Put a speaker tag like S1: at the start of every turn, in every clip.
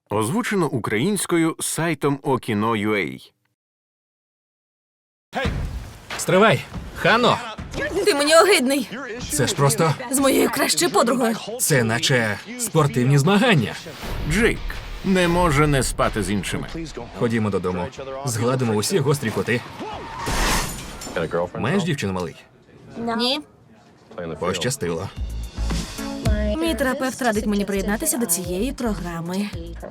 S1: Озвучено українською сайтом Okino.ua.
S2: Стривай! Хано!
S3: Ти мені огидний.
S2: Це ж просто...
S3: З моєю кращою подругою.
S2: Це наче спортивні змагання.
S1: Джейк не може не спати з іншими.
S2: Ходімо додому. Згладимо усі гострі кути. Маєш дівчину, малий?
S3: Ні.
S2: Пощастило.
S3: Мій терапевт радить мені приєднатися до цієї програми.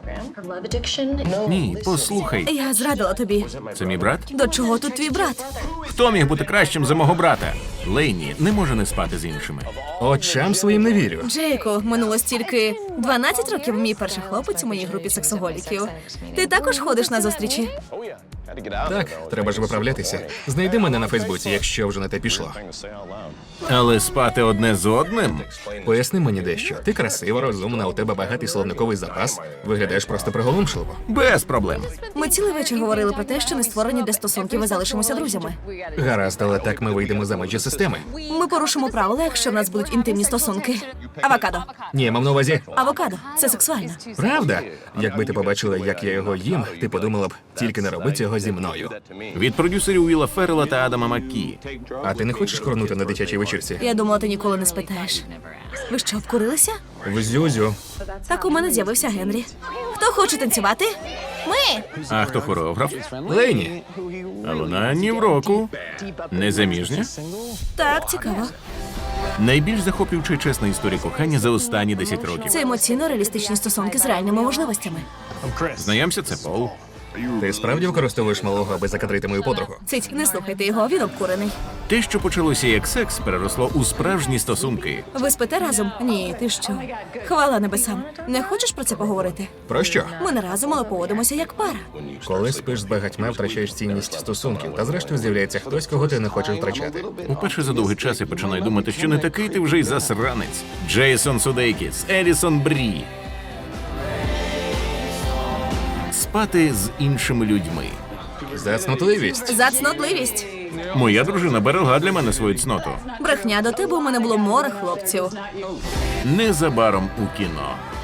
S1: Ні, послухай.
S3: Я зрадила тобі.
S1: Це мій брат?
S3: До чого тут твій брат?
S1: Хто міг бути кращим за мого брата? Лейні не може не спати з іншими.
S2: Очам своїм не вірю.
S3: Джейку, минуло стільки 12 років мій перший хлопець у моїй групі сексоголіків. Ти також ходиш на зустрічі?
S2: Так, треба ж виправлятися. Знайди мене на Фейсбуці, якщо вже на те пішло.
S1: Але спати одне з одним?
S2: Поясни мені дещо. Ти красива, розумна, у тебе багатий словниковий запас. Виглядаєш просто приголомшливо.
S1: Без проблем.
S3: Ми цілий вечір говорили про те, що не створені для стосунків і залишимося друзями.
S2: Гаразд, але так ми вийдемо за межі системи.
S3: Ми порушимо правила, якщо в нас будуть інтимні стосунки. Авокадо.
S2: Ні, я мав на увазі.
S3: Авокадо. Це сексуально.
S2: Правда? Якби ти побачила, як я його їм, ти подумала б, тільки не роби цього зі мною.
S1: Від продюсерів Уіла Феррела та Адама Маккі.
S2: А ти не хочеш корнути на дитячій вечірці?
S3: Я думала, ти ніколи не спитаєш. Ви що, обкурилися?
S2: В Зюзю.
S3: Так у мене з'явився Генрі. Хто хоче танцювати? Ми!
S1: А хто хореограф?
S2: Лейні.
S1: А вона ні в року. Незаміжня?
S3: Так, цікаво.
S1: Найбільш захоплююча і чесна історія кохання за останні 10 років.
S3: Це емоційно-реалістичні стосунки з реальними можливостями.
S1: Знайомся, це Пол.
S2: Ти справді використовуєш малого, аби закадрити мою подругу?
S3: Цить, не слухайте його, він обкурений.
S1: Те, що почалося як секс, переросло у справжні стосунки.
S3: Ви спите разом? Ні, ти що? Хвала небесам. Не хочеш про це поговорити?
S2: Про що?
S3: Ми не разом, але поводимося як пара.
S2: Коли спиш з багатьма, втрачаєш цінність стосунків, та зрештою з'являється хтось, кого ти не хочеш втрачати.
S1: Уперше за довгий час я починаю думати, що не такий ти вже й засранець. Джейсон Судейкіс, Елісон Брі. Спати з іншими людьми.
S2: Зацнотливість.
S3: За цнотливість.
S1: Моя дружина берегла для мене свою цноту.
S3: Брехня, до тебе у мене було море хлопців.
S1: Незабаром у кіно.